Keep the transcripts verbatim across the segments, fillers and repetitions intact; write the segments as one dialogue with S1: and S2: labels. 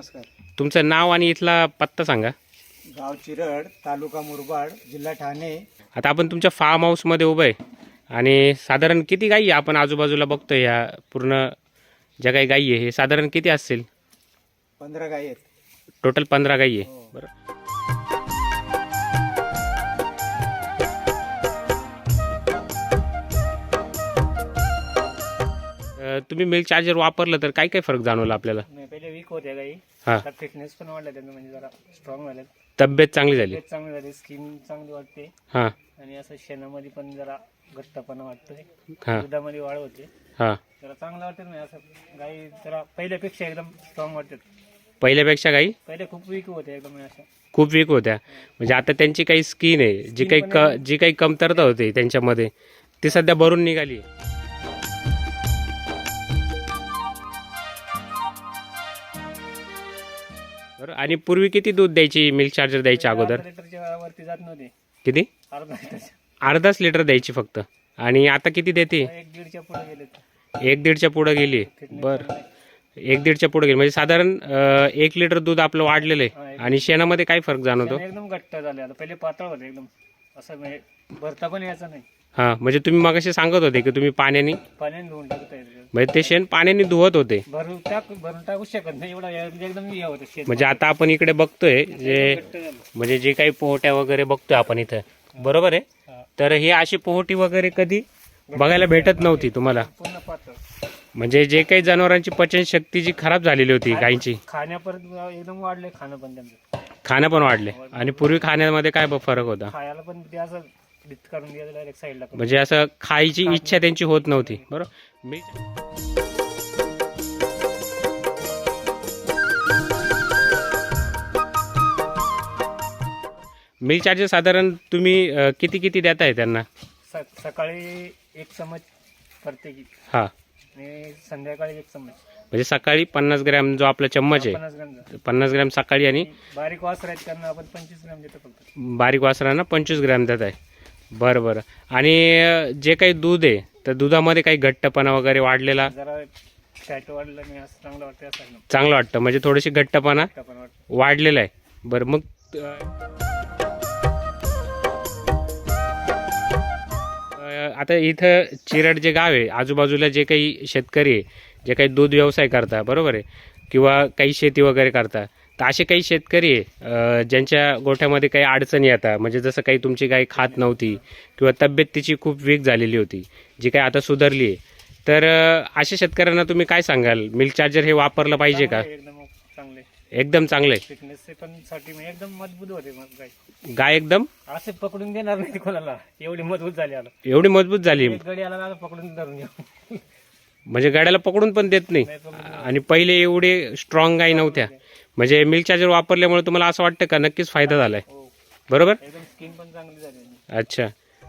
S1: नमस्कार.
S2: तुमचं नाव आणि इथला पत्ता सांगा.
S1: गाव चिरड, तालुका मुरबाड, जिल्हा ठाणे.
S2: आता आपण तुमच्या फार्म हाऊसमध्ये उभं आहे आणि साधारण किती गायी आपण आजूबाजूला बघतो, या पूर्ण ज्या काही गायी आहे हे साधारण किती असतील?
S1: पंधरा गायी आहेत.
S2: टोटल पंधरा गायी आहे.
S1: हो.
S2: बरं, तुम्ही मिल्क चार्जर वापरलं तर काय काय फरक जाणवला आपल्याला?
S1: नाही, पहिले वीक होत्या गायी.
S2: हां,
S1: आता फिटनेस पण वाढला त्यांना, म्हणजे जरा स्ट्रॉंग झाले,
S2: तब्येत चांगली झाली.
S1: तब्येत चांगली झाली, स्किन चांगली वाटते.
S2: हां
S1: आणि असं शेणामध्ये पण जरा घट्टपणा वाटतोय,
S2: हां
S1: दुधामध्ये वाढ होते,
S2: हां.
S1: जरा चांगलं वाटत नाही. असं गायी जरा पहिल्यापेक्षा एकदम स्ट्रॉंग वाटतात.
S2: पहिल्यापेक्षा गायी
S1: पहिले खूप वीक होते एकदम अशा.
S2: खूप वीक होत्या, म्हणजे आता त्यांची काही स्किन आहे, जी काही क जी काही कमतरता होती त्यांच्यामध्ये ती सध्या भरून निघाली. बरं, आणि पूर्वी किती दूध द्यायची मिल्क चार्जर द्यायच्या अगोदर?
S1: अर्धा लिटरच्या वरती जात नव्हते.
S2: किती?
S1: अर्धा लिटरच्या,
S2: अर्धाच लिटर द्यायची फक्त. आणि आता किती देते?
S1: एक दीडच्या पुढे गेले.
S2: एक दीडच्या पुढं गेली. बरं, एक दीडच्या पुढे गेली, म्हणजे साधारण अं, एक लिटर दूध आपलं वाढलेलं आहे. आणि शेणामध्ये काय फरक जाणवतो?
S1: एकदम घट्ट झाले. आता पहिले पातळ होते एकदम, असं म्हणजे भरता पण यायचा नाही.
S2: हां, म्हणजे तुम्ही मगाशी सांगत होते की तुम्ही पाण्याने
S1: पाण्याने धुवून टाकता येते.
S2: म्हणजे ते शेण पाण्याने धुवत होते.
S1: भरून टाक भरून टाकू शकत नाही एवढा, एकदम हे होतं शेत.
S2: म्हणजे आता आपण इकडे बघतोय जे
S1: घट्ट झालं.
S2: म्हणजे जे काही पोहट्या वगैरे बघतोय आपण इथं, बरोबर आहे.
S1: हा.
S2: तर ही अशी पोहटी वगैरे कधी बघायला भेटत नव्हती तुम्हाला.
S1: पूर्ण पातळ.
S2: म्हणजे जे काही जनावरांची पचनशक्ती जी खराब झालेली होती गायींची,
S1: खाण्यापर्यंत एकदम वाढले, खाणं पण त्यांचं.
S2: खाणं पण वाढले. आणि पूर्वी खाण्यामध्ये काय ब- फरक होता?
S1: खायला पण ते असं डित करून द्यायचं डायरेक्ट साईडला.
S2: म्हणजे असं खायची इच्छा त्यांची होत नव्हती. बरोबर. मी मिल्क चार्जर साधारण तुम्ही अं, किती किती देताय त्यांना?
S1: स- सकाळी एक चमच प्रत्येकी
S2: हां,
S1: आणि संध्याकाळी एक चमच.
S2: म्हणजे सकाळी पन्नास ग्रॅम जो आपला चम्मच आहे,
S1: पन्नास ग्राम झालं.
S2: पन्नास ग्रॅम सकाळी, आणि
S1: बारीक वास राहत त्यांना आपण पंचवीस ग्राम देतो फक्त.
S2: बारीक वासरांना पंचवीस ग्रॅम देत आहे. बरं बरं. आणि अं, जे काही दूध आहे तर दुधामध्ये काही घट्टपणा वगैरे वाढलेला
S1: जरा फॅट वाढलं नाही, असं चांगलं वाटतं. असं एकदम
S2: चांगलं वाटतं, म्हणजे थोडीशी घट्टपणा
S1: घट्ट पण वाटतं.
S2: वाढलेला आहे. बरं, मग अं, आता इथं चिरड जे गाव आहे, आजूबाजूला जे काही शेतकरी आहे, जे काही दूध व्यवसाय करता, बरोबर आहे, किंवा काही शेती वगैरे करता, तर असे काही शेतकरी आहे अं, ज्यांच्या गोठ्यामध्ये काही अडचणी येतात, म्हणजे जसं काही तुमची गाय खात नव्हती किंवा तब्येत तिची खूप वीक झालेली होती, जी काही आता सुधारली आहे, तर अं, अशा शेतकऱ्यांना तुम्ही काय सांगाल? मिल्क चार्जर हे वापरलं पाहिजे का?
S1: चांगले, एकदम चांगले.
S2: एकदम चांगलं आहे.
S1: फिटनेस पण साठी म्हणजे एकदम मजबूत होते मग गाय.
S2: गाय एकदम
S1: असे पकडून देणार नाही कोणाला, एवढी मजबूत झाली. आला
S2: एवढी मजबूत झाली,
S1: एक गडी आला ना पकडून धरून घ्या.
S2: म्हणजे गाड्याला पकडून पण देत नाही.
S1: नाही पकडून.
S2: आणि पहिले एवढे स्ट्रॉंग गाय नव्हत्या. म्हणजे मिल्क चार्जर वापरल्यामुळे तुम्हाला असं वाटतं का नक्कीच फायदा झालाय?
S1: हो,
S2: बरोबर.
S1: एकदम स्किन पण चांगली झाली.
S2: अच्छा.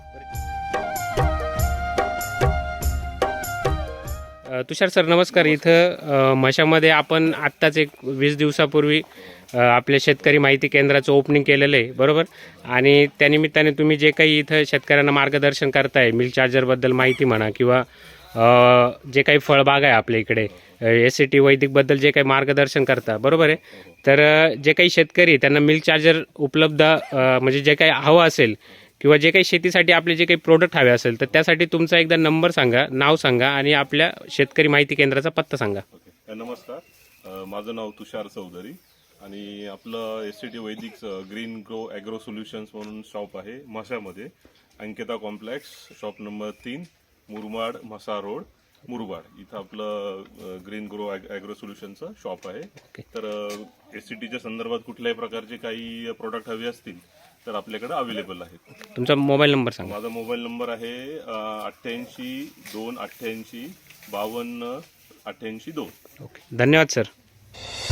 S2: अ, तुषार सर नमस्कार. इथं अ, मशामध्ये आपण आत्ताच एक वीस दिवसापूर्वी अ, आपल्या शेतकरी माहिती केंद्राचं ओपनिंग केलेलं आहे, बरोबर. आणि त्यानिमित्ताने तुम्ही जे काही इथं शेतकऱ्यांना मार्गदर्शन करताय, मिल्क चार्जरबद्दल माहिती म्हणा, किंवा अ, जे काही फळबाग आहे आपल्या इकडे, एस सी टी वैदिकबद्दल जे काही मार्गदर्शन करता, बरोबर आहे. तर अ, जे काही शेतकरी त्यांना मिल्क चार्जर उपलब्ध अ, म्हणजे जे काही हवं असेल, किंवा जे काही शेतीसाठी आपले जे काही प्रोडक्ट हवे असेल, तर त्यासाठी तुमचा एकदा नंबर सांगा, नाव सांगा, आणि आपल्या शेतकरी माहिती केंद्राचा पत्ता सांगा.
S3: ओके. नमस्कार. अ, माझं नाव तुषार चौधरी, आणि आपलं S C T Vaidik green grow agro solutions म्हणून शॉप आहे म्हशामध्ये, अंकिता कॉम्प्लेक्स, शॉप नंबर तीन, मुरबाड, म्हसा रोड, मुरबाड. इथं आपलं ग्रीन ग्रो ॲग्रो सोल्युशनचं शॉप आहे. तर एस सी टीच्या संदर्भात कुठल्याही प्रकारचे काही प्रोडक्ट हवे असतील तर आपल्याकडे अवेलेबल आहेत.
S2: तुमचा मोबाईल नंबर सांगा.
S3: माझा मोबाईल नंबर आहे अठ्ठ्याऐंशी दोन अठ्ठ्याऐंशी बावन्न अठ्ठ्याऐंशी दोन.
S2: ओके, धन्यवाद सर.